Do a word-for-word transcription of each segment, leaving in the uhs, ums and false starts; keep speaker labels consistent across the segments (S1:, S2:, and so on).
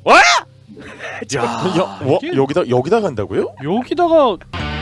S1: 와!
S2: 야,
S3: 야, 와,
S2: 이게-
S3: 여기다 여기다 간다고요?
S2: 여기다가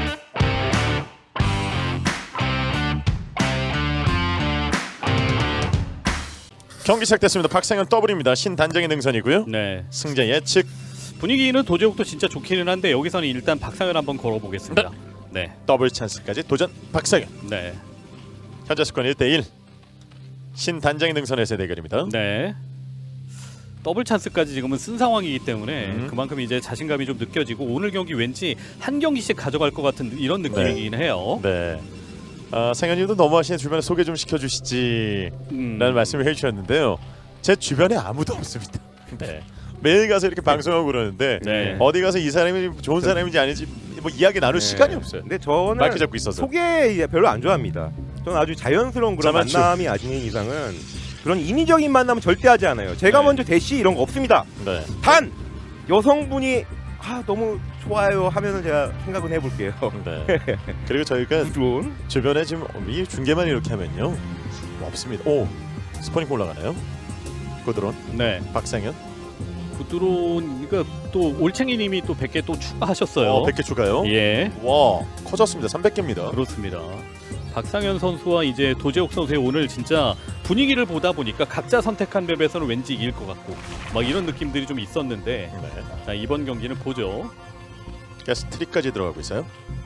S3: 경기 시작됐습니다. 박상현 더블입니다. 신단장의 능선이고요.
S2: 네
S3: 승자 예측.
S2: 분위기는 도제욱도 진짜 좋기는 한데 여기서는 일단 박상현 한번 걸어보겠습니다. 네,
S3: 더블 찬스까지 도전 박상현.
S2: 네,
S3: 현재 스코어 일 대 일. 신단장의 능선에서의 대결입니다.
S2: 네. 더블 찬스까지 지금은 쓴 상황이기 때문에
S3: 음.
S2: 그만큼 이제 자신감이 좀 느껴지고 오늘 경기 왠지 한 경기씩 가져갈 것 같은 이런 느낌이긴 해요.
S3: 네. 아, 상현님도 너무하시네. 주변에 소개 좀 시켜주시지
S2: 음.
S3: 라는 말씀을 해주셨는데요. 제 주변에 아무도 없습니다. 네. 매일 가서 이렇게 방송하고 그러는데
S2: 네.
S3: 어디 가서 이 사람이 좋은 사람인지 아닌지 뭐 이야기 나눌
S1: 네.
S3: 시간이 없어요.
S1: 근데 저는
S3: 마이크 잡고 있어서.
S1: 소개 별로 안 좋아합니다. 저는 아주 자연스러운 그런
S3: 자만추.
S1: 만남이 아닌 이상은 그런 인위적인 만남은 절대 하지 않아요. 제가
S2: 네.
S1: 먼저 대시 이런 거 없습니다.
S3: 네.
S1: 단 여성분이 아 너무 좋아요 하면은 제가 생각은 해볼게요.
S3: 네. 그리고 저희가
S1: 부드러운
S3: 주변에 지금 이 중계만 이렇게 하면요 뭐 없습니다. 오 스포닝 올라가나요? 고드론
S2: 네.
S3: 박상현.
S2: 구드론 그러니까 또 올챙이님이 또 백 개 또 추가하셨어요.
S3: 어, 백 개 추가요.
S2: 예,
S3: 와 커졌습니다. 삼백 개입니다.
S2: 그렇습니다. 박상현 선수와 이제 도재욱 선수의 오늘 진짜 분위기를 보다 보니까 각자 선택한 맵에서는 왠지 이길 것 같고 막 이런 느낌들이 좀 있었는데
S3: 네.
S2: 자, 이번 경기는 보죠.
S3: 가스 트릭까지 들어가고 있어요.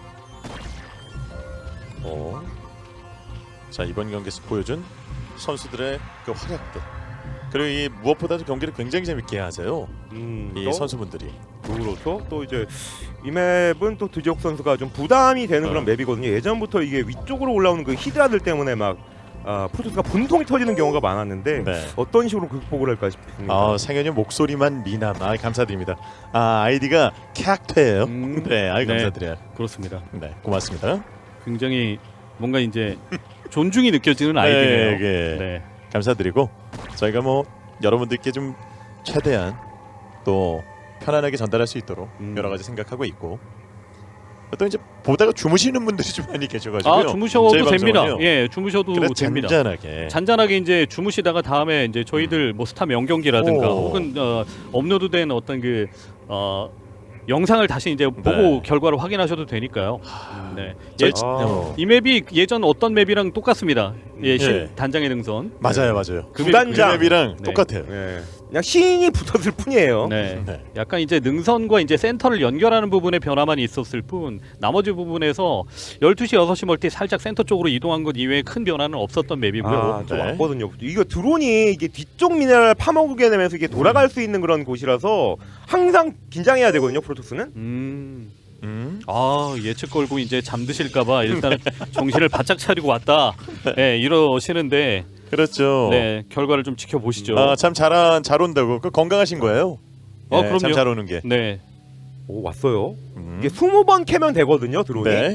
S3: 오. 자 이번 경기에서 보여준 선수들의 그 활약들. 그리고 이 무엇보다도 경기를 굉장히 재밌게 하세요.
S1: 음,
S3: 이
S1: 또
S3: 선수분들이.
S1: 그렇죠. 또 이제 이 맵은 또 드지옥 선수가 좀 부담이 되는 그런
S3: 어.
S1: 맵이거든요. 예전부터 이게 위쪽으로 올라오는 그 히드라들 때문에 막 아, 프로토스가 분통이 터지는 경우가 많았는데
S3: 네.
S1: 어떤 식으로 극복을 할까 싶습니다.
S3: 아 상현이 목소리만 미남. 아 감사드립니다. 아 아이디가 캬크예요.
S2: 음,
S3: 네, 아이
S2: 네.
S3: 감사드려요.
S2: 그렇습니다.
S3: 네, 고맙습니다.
S2: 굉장히 뭔가 이제 존중이 느껴지는 아이디네요.
S3: 네, 네.
S2: 네.
S3: 감사드리고 저희가 뭐 여러분들께 좀 최대한 또 편안하게 전달할 수 있도록
S1: 음.
S3: 여러 가지 생각하고 있고 또 이제 보다가 주무시는 분들이 좀 많이 계셔가지고요.
S2: 아 주무셔도
S3: 저희
S2: 됩니다.
S3: 방송은요.
S2: 예, 주무셔도
S3: 그래
S2: 됩니다.
S3: 잔잔하게.
S2: 잔잔하게 이제 주무시다가 다음에 이제 저희들 뭐 스타 명경기라든가
S3: 오.
S2: 혹은 어, 업로드된 어떤 그 어, 영상을 다시 이제 보고
S3: 네.
S2: 결과를 확인하셔도 되니까요. 네.
S3: 저희
S2: 예,
S3: 지-
S1: 아.
S3: 어.
S2: 이 맵이 예전 어떤 맵이랑 똑같습니다. 예, 신
S3: 예.
S2: 단장의 능선.
S3: 맞아요, 맞아요.
S2: 그
S1: 구단장.
S3: 그 맵이랑
S2: 네.
S3: 똑같아요.
S1: 예. 그냥 시인이 붙었을 뿐이에요.
S2: 네.
S3: 네.
S2: 약간 이제 능선과 이제 센터를 연결하는 부분의 변화만 있었을 뿐 나머지 부분에서 열두 시 여섯 시 멀티 살짝 센터 쪽으로 이동한 것 이외에 큰 변화는 없었던 맵이고요.
S1: 아, 저
S3: 네.
S1: 왔거든요. 이거 드론이 이게 뒤쪽 미네랄 파먹게 되면서 이게 돌아갈 수 있는 그런 곳이라서 항상 긴장해야 되거든요. 프로토스는.
S2: 음.
S3: 음.
S2: 아 예측 걸고 이제 잠드실까봐 일단 정신을 바짝 차리고 왔다. 네 이러시는데
S3: 그렇죠.
S2: 네 결과를 좀 지켜보시죠.
S3: 아, 참 잘한 잘 온다고. 그 건강하신 거예요?
S2: 어,
S3: 네,
S2: 그럼요.
S3: 참 잘 오는 게.
S2: 네.
S1: 오 왔어요.
S3: 음.
S1: 이게 스무 번 캐면 되거든요. 드론이.
S3: 네.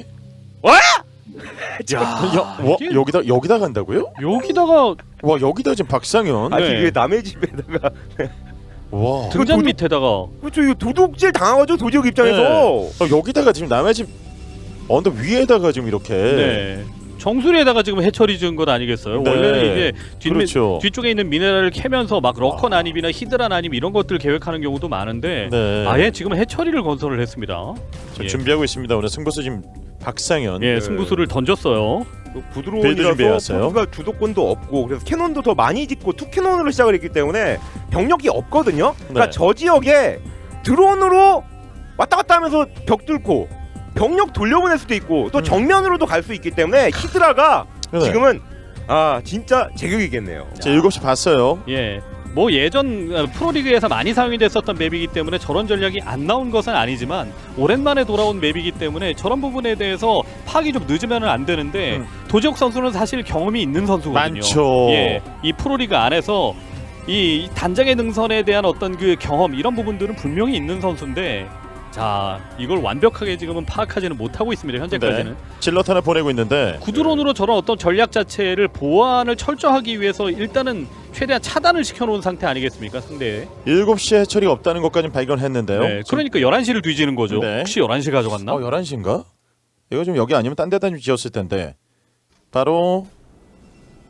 S2: 야,
S3: 야, 와,
S2: 이게
S3: 여기다 여기다 간다고요?
S2: 여기다가
S3: 와, 여기다 지금 박상현.
S1: 아니
S2: 네.
S1: 이게 남의 집에다가
S3: 와.
S2: 등잔
S1: 도둑-
S2: 밑에다가
S1: 그렇죠. 이거 도둑질 당하죠. 도지역 입장에서.
S3: 어, 여기다가 지금 남의 집 언덕 위에다가 지금 이렇게.
S2: 네. 정수리에다가 지금 해처리 지은 것 아니겠어요?
S3: 네.
S2: 원래는 이게 뒷,
S3: 그렇죠.
S2: 뒤쪽에 있는 미네랄을 캐면서 막 러커 난입이나 히드라 난입 이런 것들 계획하는 경우도 많은데
S3: 네.
S2: 아예 지금 해처리를 건설을 했습니다.
S3: 지금
S2: 예.
S3: 준비하고 있습니다. 오늘 승부수 지금 박상현.
S2: 예,
S1: 네.
S2: 승부수를 던졌어요.
S1: 그
S3: 빌드
S1: 부드러운이라서
S3: 준비해왔어요.
S1: 프로토스가 주도권도 없고 그래서 캐논도 더 많이 짓고 투 캐논으로 시작을 했기 때문에 병력이 없거든요. 그러니까
S3: 네.
S1: 저 지역에 드론으로 왔다 갔다 하면서 벽 뚫고 병력 돌려보낼 수도 있고 또
S3: 음.
S1: 정면으로도 갈 수 있기 때문에 히드라가
S3: 네.
S1: 지금은 아 진짜 제격이겠네요.
S3: 제 일곱 시 봤어요.
S2: 예. 뭐 예전 어, 프로리그에서 많이 사용이 됐었던 맵이기 때문에 저런 전략이 안 나온 것은 아니지만 오랜만에 돌아온 맵이기 때문에 저런 부분에 대해서 파악이 좀 늦으면 안 되는데
S3: 음.
S2: 도지혁 선수는 사실 경험이 있는 선수거든요.
S3: 많죠.
S2: 예. 이 프로리그 안에서 이 단장의 능선에 대한 어떤 그 경험 이런 부분들은 분명히 있는 선수인데 자 이걸 완벽하게 지금은 파악하지는 못하고 있습니다. 현재까지는.
S3: 네. 질럿 하나 보내고 있는데.
S2: 구드론으로 저런 어떤 전략 자체를 보완을 철저하기 위해서 일단은 최대한 차단을 시켜놓은 상태 아니겠습니까 상대.
S3: 일곱 시에 해처리가 없다는 것까지 발견했는데요.
S2: 네, 그러니까 열한 시를 뒤지는 거죠.
S3: 네.
S2: 혹시 열한 시 가져갔나?
S3: 어, 열한 시인가? 이거 좀 여기 아니면 딴 데다 좀 지었을 텐데. 바로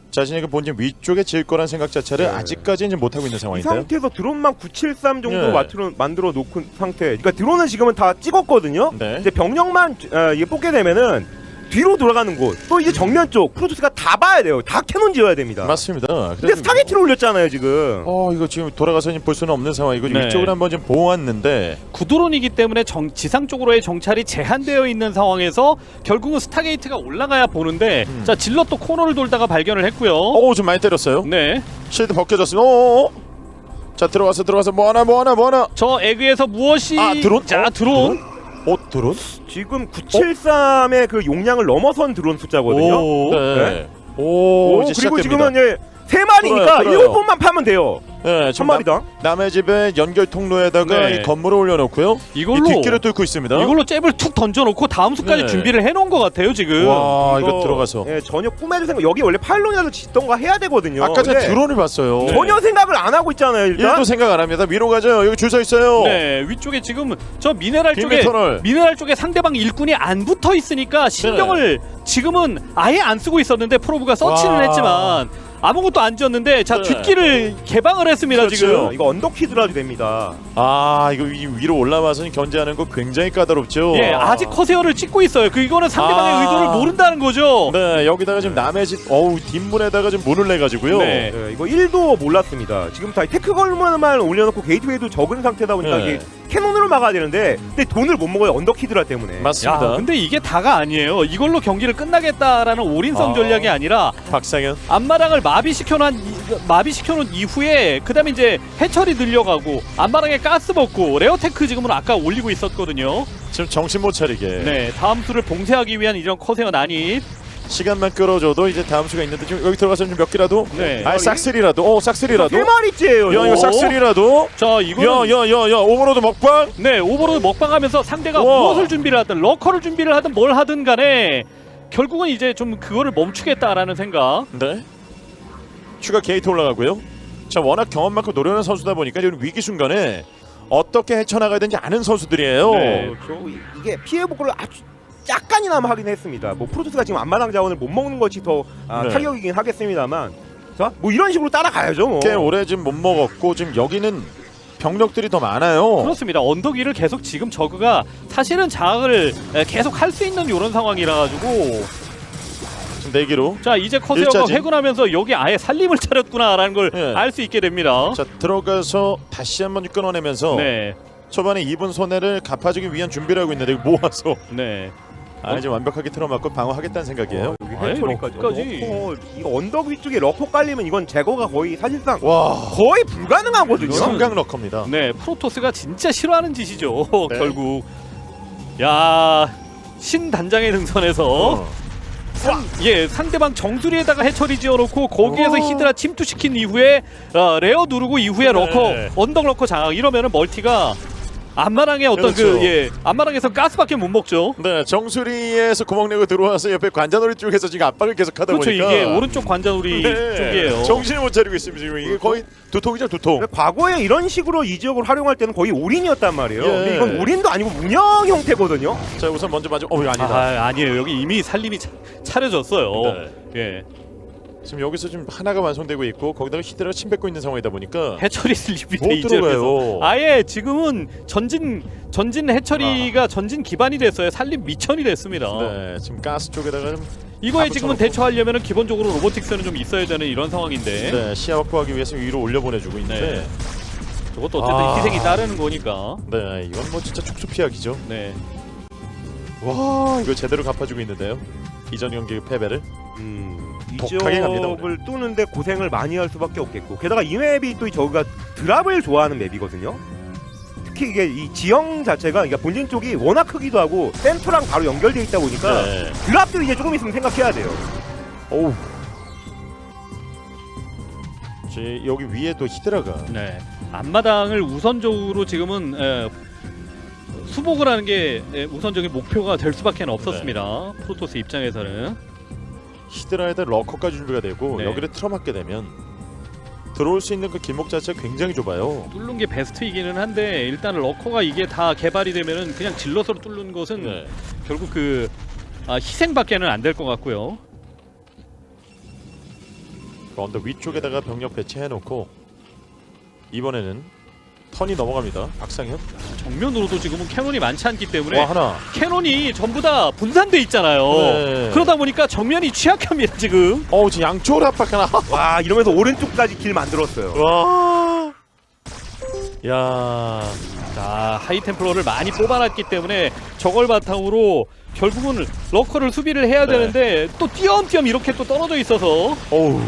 S3: 자신의 그 본진 위쪽에 지을 거란 생각 자체를
S1: 네.
S3: 아직까지는 못 하고 있는
S1: 이
S3: 상황인데요.
S1: 상태에서 드론만 구칠삼 정도
S3: 네.
S1: 만들어, 만들어 놓은 상태. 그러니까 드론은 지금은 다 찍었거든요.
S3: 네.
S1: 이제 병력만 어, 이게 뽑게 되면은 뒤로 돌아가는 곳, 또 이제 정면 쪽 프로토스가 다 봐야 돼요. 다 캐논 지어야 됩니다.
S3: 맞습니다.
S1: 근데
S3: 그래서
S1: 스타게티를 올렸잖아요 지금.
S3: 어 이거 지금 돌아가서 볼 수는 없는 상황이고
S2: 네.
S3: 위쪽을 한번 좀 보았는데
S2: 구드론이기 때문에 정, 지상 쪽으로의 정찰이 제한되어 있는 상황에서 결국은 스타게이트가 올라가야 보는데
S3: 음.
S2: 자 질럿도 코너를 돌다가 발견을 했고요.
S3: 어좀 많이 때렸어요.
S2: 네,
S3: 실드 벗겨졌어요. 어어어. 자 들어가서 들어가서 뭐 하나 뭐 하나 뭐 하나.
S2: 저 에그에서 무엇이
S3: 아 드론?
S2: 자
S3: 어,
S2: 드론.
S3: 어 드론?
S1: 지금 구칠삼의 그 용량을 넘어선 드론 숫자거든요.
S2: 오.
S3: 네. 오,
S1: 오,
S3: 이제
S1: 그리고
S3: 시작됩니다.
S1: 지금은 이제 세 마리니까
S3: 들어요, 들어요.
S1: 일곱 번만 파면 돼요.
S3: 네,
S1: 한
S3: 지금
S1: 마리당.
S3: 남, 남의 집에 연결 통로에다가
S2: 네.
S3: 이 건물을 올려놓고요.
S2: 이걸로
S3: 이 뒷길을 뚫고 있습니다.
S2: 이걸로 잽을 툭 던져놓고 다음 수까지
S3: 네.
S2: 준비를 해놓은 것 같아요 지금.
S3: 와 이거, 들어가서
S1: 예, 전혀 꿈에도 생각. 여기 원래 파일론이라도 짓던가 해야 되거든요.
S3: 아까 전에
S1: 근데
S3: 드론을 봤어요.
S2: 네.
S1: 전혀 생각을 안 하고 있잖아요. 일단.
S3: 일도 생각 안 합니다. 위로 가죠. 여기 줄 서 있어요.
S2: 네, 위쪽에 지금 저 미네랄
S3: 비밀
S2: 쪽에
S3: 터널.
S2: 미네랄 쪽에 상대방 일꾼이 안 붙어 있으니까 신경을 지금은 아예 안 쓰고 있었는데 프로브가 서치는
S3: 와.
S2: 했지만 아무것도 안 지었는데 자
S3: 네.
S2: 뒷길을 개방을 했습니다
S3: 그렇죠.
S2: 지금.
S1: 이거 언덕키드라도 됩니다.
S3: 아 이거 위- 위로 올라와서 견제하는 거 굉장히 까다롭죠.
S2: 예, 아직 커세어를 찍고 있어요. 그 이거는 상대방의
S3: 아.
S2: 의도를 모른다는 거죠.
S3: 네 여기다가 지금 남의 집 어우 뒷문에다가 좀 문을 내 가지고요.
S2: 네.
S1: 예, 이거 일도 몰랐습니다. 지금 다 테크 걸문만 올려놓고 게이트웨이도 적은 상태다 보니까
S3: 네.
S1: 이게 캐논으로 막아야 되는데 근데 돈을 못 먹어요. 언덕키드라 때문에.
S3: 맞습니다.
S2: 야, 근데 이게 다가 아니에요. 이걸로 경기를 끝나겠다라는 올인성
S3: 아.
S2: 전략이 아니라
S3: 박상현.
S2: 앞마당을 마비시켜놓은 마비시켜놓은 이후에 그다음에 이제 해철이 늘려가고 앞마당에 가스 먹고 레어테크 지금은 아까 올리고 있었거든요.
S3: 지금 정신 못 차리게.
S2: 네, 다음 수를 봉쇄하기 위한 이런 커세어 난입.
S3: 시간만 끌어줘도 이제 다음 수가 있는데 지금 여기 들어가서 좀 몇 개라도.
S2: 네.
S3: 아 싹쓸이라도. 어 싹쓸이라도.
S1: 세 마리째예요.
S3: 야 이거
S2: 오.
S3: 싹쓸이라도.
S2: 자, 이거는
S3: 야야야야 오버로드 먹방.
S2: 네 오버로드 먹방하면서 상대가
S3: 우와.
S2: 무엇을 준비를 하든 러커를 준비를 하든 뭘 하든 간에 결국은 이제 좀 그거를 멈추겠다라는 생각.
S3: 네. 추가 게이트 올라가고요. 자 워낙 경험 많고 노련한 선수다 보니까 지금 위기 순간에 어떻게 헤쳐나가야 되는지 아는 선수들이에요.
S2: 네.
S1: 그렇죠. 이- 이게 피해 복구를 아주 약간이나마 하긴 했습니다. 뭐 프로토스가 지금 앞마당 자원을 못 먹는 것이 더 아,
S3: 네.
S1: 타격이긴 하겠습니다만, 자, 뭐 이런 식으로 따라가야죠. 뭐.
S3: 꽤 오래 지금 못 먹었고 지금 여기는 병력들이 더 많아요.
S2: 그렇습니다. 언덕 위를 계속 지금 저그가 사실은 장악을 에, 계속 할 수 있는 이런 상황이라 가지고
S3: 지금 내기로.
S2: 자 이제 커세어가
S3: 일자진.
S2: 회군하면서 여기 아예 살림을 차렸구나라는 걸
S3: 네.
S2: 알 수 있게 됩니다.
S3: 자 들어가서 다시 한번 끊어내면서
S2: 네,
S3: 초반에 입은 손해를 갚아주기 위한 준비를 하고 있는데 모아서
S2: 네.
S3: 아 이제 완벽하게 틀어맞고 방어하겠다는 생각이에요.
S1: 여기
S2: 아예
S1: 해처리까지.
S2: 러커까지.
S1: 어, 이거 언덕 위쪽에 러커 깔리면 이건 제거가 거의 사실상
S3: 와
S1: 거의 불가능하거든요.
S3: 성강 러커입니다.
S2: 네, 프로토스가 진짜 싫어하는 짓이죠.
S3: 네.
S2: 결국. 야, 신 단장의 능선에서
S3: 어.
S2: 상, 예, 상대방 정수리에다가 해처리 지어놓고 거기에서
S1: 오.
S2: 히드라 침투시킨 이후에 어, 레어 누르고 이후에 러커
S3: 네.
S2: 언덕 러커 장악 이러면은 멀티가 앞마당에 어떤
S3: 그렇죠.
S2: 그 예, 앞마당에서 가스밖에 못 먹죠.
S3: 네 정수리에서 구멍 내고 들어와서 옆에 관자놀이 쪽에서 지금 압박을 계속하다
S2: 그렇죠.
S3: 보니까
S2: 이게 오른쪽 관자놀이
S3: 네.
S2: 쪽이에요.
S3: 정신을 못 차리고 있습니다. 지금 이게 거의 두통이죠 두통.
S1: 근데 과거에 이런 식으로 이 지역을 활용할 때는 거의 올인이었단 말이에요.
S3: 예.
S1: 근데 이건 올인도 아니고 운영 형태거든요.
S3: 자 우선 먼저 맞아. 어 이거 아니다.
S2: 아, 아니에요. 여기 이미 살림이 차, 차려졌어요.
S3: 네.
S2: 예.
S3: 지금 여기서 지금 하나가 완성되고 있고 거기다가 히드라가 침 뱉고 있는 상황이다 보니까
S2: 해처리 슬립이
S3: 못
S2: 돼 이제에서
S3: 들어가요.
S2: 아예 지금은 전진 전진 해처리가 전진 기반이 됐어요. 살림 미천이 됐습니다.
S3: 네 지금 가스 쪽에다가 좀
S2: 이거에
S3: 다
S2: 지금은
S3: 붙여놓고.
S2: 대처하려면은 기본적으로 로보틱스는 좀 있어야 되는 이런 상황인데
S3: 네, 시야 확보하기 위해서 위로 올려보내주고 있는데
S2: 네. 저것도 어쨌든
S3: 아.
S2: 희생이 따르는 거니까.
S3: 네 이건 뭐 진짜 촉수 피하기죠.
S2: 네.
S3: 와 이거 제대로 갚아주고 있는데요. 이전 경기 패배를.
S1: 음, 이
S3: 독하게 갑니다,
S1: 지역을 뚫는데 고생을 많이 할 수밖에 없겠고 게다가 이 맵이 또 저기가 드랍을 좋아하는 맵이거든요. 특히 이게 이 지형 자체가 그러니까 본진 쪽이 워낙 크기도 하고 센터랑 바로 연결돼 있다 보니까
S3: 네.
S1: 드랍도 이제 조금 있으면 생각해야 돼요.
S3: 오우. 제 여기 위에 또 히드라가.
S2: 네. 앞마당을 우선적으로 지금은 에, 수복을 하는 게 에, 우선적인 목표가 될 수밖에 없었습니다.
S3: 네.
S2: 프로토스 입장에서는.
S3: 히드라에다 러커까지 준비가 되고
S2: 네.
S3: 여기를 틀어막게 되면 들어올 수 있는 그 길목 자체가 굉장히 좁아요.
S2: 뚫는 게 베스트이기는 한데 일단 러커가 이게 다 개발이 되면은 그냥 질럿으로 뚫는 것은
S3: 네.
S2: 결국 그 아, 희생밖에는 안 될 것 같고요.
S3: 언덕 위쪽에다가 병력 배치해놓고 이번에는 턴이 넘어갑니다. 박상현.
S2: 정면으로도 지금은 캐논이 많지 않기 때문에
S3: 와 하나.
S2: 캐논이 전부 다 분산돼 있잖아요.
S3: 네.
S2: 그러다 보니까 정면이 취약합니다 지금.
S3: 어우 지금 양쪽으로 압박하나.
S1: 와 이러면서 오른쪽까지 길 만들었어요.
S3: 와. 야.
S2: 자 하이템플러를 많이 뽑아놨기 때문에 저걸 바탕으로 결국은 러커를 수비를 해야
S3: 네.
S2: 되는데 또 띄엄띄엄 이렇게 또 떨어져 있어서
S3: 어우.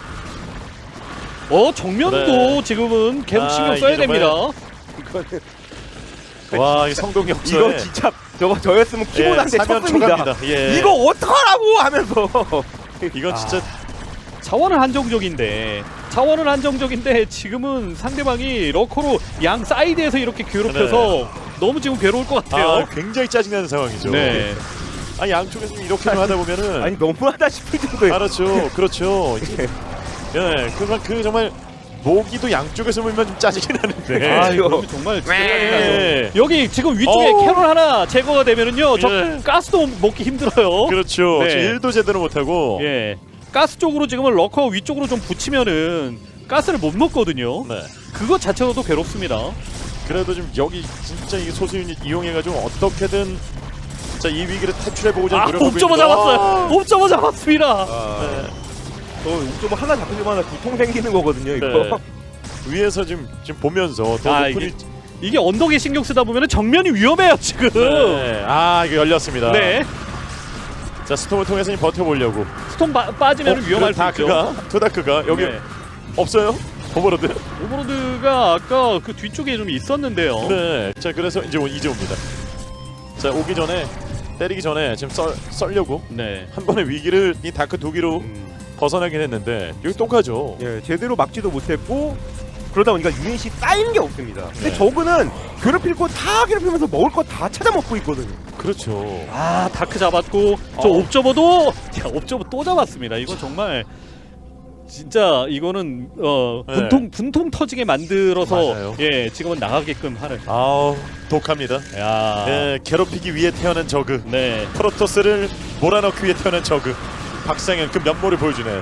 S2: 어 정면도
S3: 네.
S2: 지금은 계속
S3: 아,
S2: 신경
S3: 이게
S2: 써야
S3: 정말-
S2: 됩니다.
S1: 이거는
S3: 와, 이 성동 역전.
S1: 이거 진짜 저거 저였으면 키보드한테 쳤습니다.
S3: 초갑니다. 예.
S1: 이거 어떡하라고 하면서
S3: 이건 진짜
S2: 자원은 한정적인데 자원은 한정적인데 지금은 상대방이 러커로 양 사이드에서 이렇게 괴롭혀서 너무 지금 괴로울 것 같아요.
S3: 아, 굉장히 짜증나는 상황이죠.
S2: 네.
S3: 아, 양쪽에서 이렇게 좀 하다 보면은
S1: 아니 너무하다 싶을 정도의
S3: 알았죠. 그렇죠. 이제- 예, 그만 그 정말 모기도 양쪽에서 물면 좀 짜증이 나는데.
S2: 아
S1: 이거.
S2: 이거 정말
S3: 예.
S2: 여기 지금 위쪽에
S3: 어우.
S2: 캐롤 하나 제거가 되면은요 저
S3: 예.
S2: 가스도 먹기 힘들어요.
S3: 그렇죠.
S2: 네.
S3: 지금 일도 제대로 못 하고.
S2: 예, 가스 쪽으로 지금은 러커 위쪽으로 좀 붙이면은 가스를 못 먹거든요.
S3: 네.
S2: 그것 자체로도 괴롭습니다.
S3: 그래도 좀 여기 진짜 이 소수 유닛 이용해가지고 어떻게든 자 이 위기를 탈출해 보고자
S2: 아,
S3: 노력하고
S2: 옵저버
S3: 있는데.
S2: 잡았어요. 옵저버 잡았습니다.
S1: 아,
S3: 네.
S1: 저 옥점 하나 잡히자마자 두통 생기는 거거든요. 이거.
S3: 네. 위에서 지금 지금 보면서 더
S2: 아,
S3: 높은
S2: 이게-
S3: 위-
S2: 이게 언덕에 신경 쓰다 보면은 정면이 위험해요 지금.
S3: 네. 아 이거 열렸습니다.
S2: 네.
S3: 자 스톰을 통해서 좀 버텨보려고.
S2: 스톰 빠, 빠지면
S3: 어,
S2: 위험할 수 있죠.
S3: 다크가 투다크가 여기
S2: 네.
S3: 없어요? 오버로드.
S2: 오버로드가 아까 그 뒤쪽에 좀 있었는데요.
S3: 네. 자 그래서 이제 오- 이제 옵니다. 자 오기 전에 때리기 전에 지금 썰 썰려고
S2: 네.
S3: 한 번의 위기를 이 다크 두 기로
S1: 음,
S3: 벗어나긴 했는데 여기 똑같죠.
S1: 예, 제대로 막지도 못했고 그러다 보니까 유닛이 쌓이는 게 없습니다. 근데
S3: 네.
S1: 저그는 괴롭힐 거 다 괴롭히면서 먹을 거 다 찾아 먹고 있거든요.
S3: 그렇죠.
S2: 아 다크 잡았고 저
S1: 어.
S2: 옵저버도 야 옵저버 또 잡았습니다. 이건 정말 진짜 이거는 어
S3: 네.
S2: 분통 분통 터지게 만들어서
S3: 맞아요.
S2: 예 지금은 나가게끔 하는.
S3: 아우 독합니다.
S2: 야.
S3: 네, 괴롭히기 위해 태어난 저그.
S2: 네.
S3: 프로토스를 몰아넣기 위해 태어난 저그. 박상현 그 면모를 보여주네요.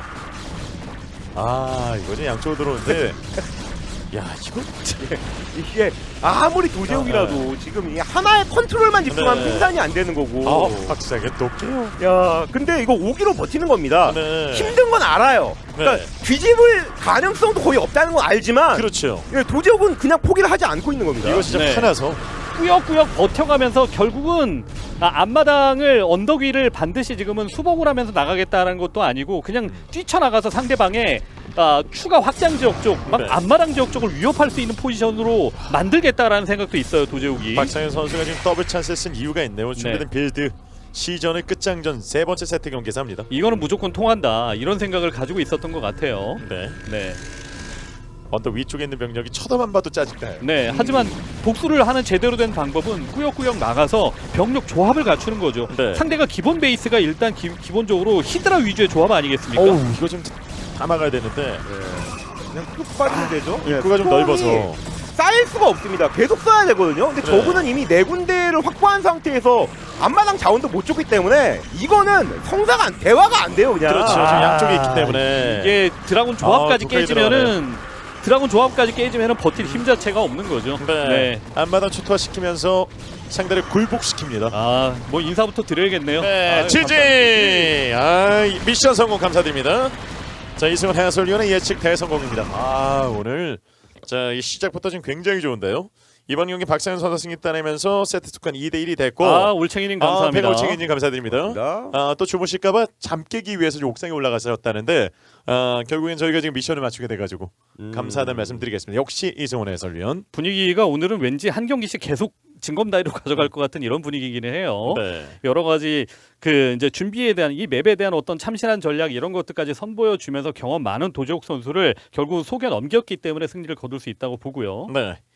S3: 아 이거 좀 양쪽으로 들어오는데 야 이거
S1: 이게 아무리 도제욱이라도 지금 이 하나의 컨트롤만 집중하면
S3: 네.
S1: 생산이 안 되는 거고.
S3: 아 박상현 똑해요.
S1: 야, 근데 이거 오기로 버티는 겁니다.
S3: 네.
S1: 힘든 건 알아요. 그러니까
S3: 네.
S1: 뒤집을 가능성도 거의 없다는 건 알지만
S3: 그렇죠.
S1: 예, 도제욱은 그냥 포기를 하지 않고 있는 겁니다.
S3: 이거 진짜
S2: 네.
S3: 화나서
S2: 꾸역꾸역 버텨가면서 결국은 아, 앞마당을 언덕 위를 반드시 지금은 수복을 하면서 나가겠다는 것도 아니고 그냥 뛰쳐나가서 상대방의 아, 추가 확장 지역 쪽, 막
S3: 네.
S2: 앞마당 지역 쪽을 위협할 수 있는 포지션으로 만들겠다라는 생각도 있어요 도제욱이.
S3: 박상현 선수가 지금 더블 찬스를 쓴 이유가 있네요. 준비된 빌드 시전의 끝장전 세 번째 세트 경기에서 합니다.
S2: 이거는 무조건 통한다 이런 생각을 가지고 있었던 것 같아요.
S3: 네.
S2: 네.
S3: 언덕 위쪽에 있는 병력이 쳐다만 봐도 짜증나요.
S2: 네. 하지만 복수를 하는 제대로 된 방법은 꾸역꾸역 나가서 병력 조합을 갖추는 거죠.
S3: 네.
S2: 상대가 기본 베이스가 일단 기, 기본적으로 히드라 위주의 조합 아니겠습니까?
S3: 어우 이거 좀 다 막아야 되는데
S1: 예. 그냥 쭉 빠지면 되죠. 예,
S3: 입구가 좀
S1: 스톰이
S3: 넓어서
S1: 쌓일 수가 없습니다. 계속 써야 되거든요. 근데
S3: 네.
S1: 저분은 이미 네 군데를 확보한 상태에서 앞마당 자원도 못 줬기 때문에 이거는 성사가 안, 대화가 안 돼요 그냥.
S3: 그렇죠. 지금 양쪽에 있기 때문에
S2: 이게 드라군 조합까지
S3: 아, 독하게
S2: 깨지면은 드라군 조합까지 깨지면은 버틸 힘 자체가 없는 거죠.
S3: 네. 앞마당 초토화시키면서 상대를 굴복시킵니다.
S2: 아, 뭐 인사부터 드려야겠네요.
S3: 네,
S2: 아유,
S3: 지지. 아, 미션 성공 감사드립니다. 자, 이승훈 해설위원의 예측 대성공입니다. 아, 오늘 자, 이 시작부터 지금 굉장히 좋은데요. 이번 경기 박상현 선수 승리 따내면서 세트 스코어는 이 대 일이 됐고
S2: 아, 올챙이님 감사합니다.
S3: 아, 백올챙이님 감사드립니다.
S1: 감사합니다.
S3: 아, 또 주무실까봐 잠 깨기 위해서 좀 옥상에 올라가셨다는데 아, 결국엔 저희가 지금 미션을 맞추게 돼가지고
S1: 음.
S3: 감사하다는 말씀드리겠습니다. 역시 이승훈 해설위원.
S2: 분위기가 오늘은 왠지 한 경기씩 계속 진검다리로 가져갈 것 같은 이런 분위기기는 해요.
S3: 네.
S2: 여러 가지 그 이제 준비에 대한 이 맵에 대한 어떤 참신한 전략 이런 것들까지 선보여 주면서 경험 많은 도재욱 선수를 결국 속여 넘겼기 때문에 승리를 거둘 수 있다고 보고요.
S3: 네.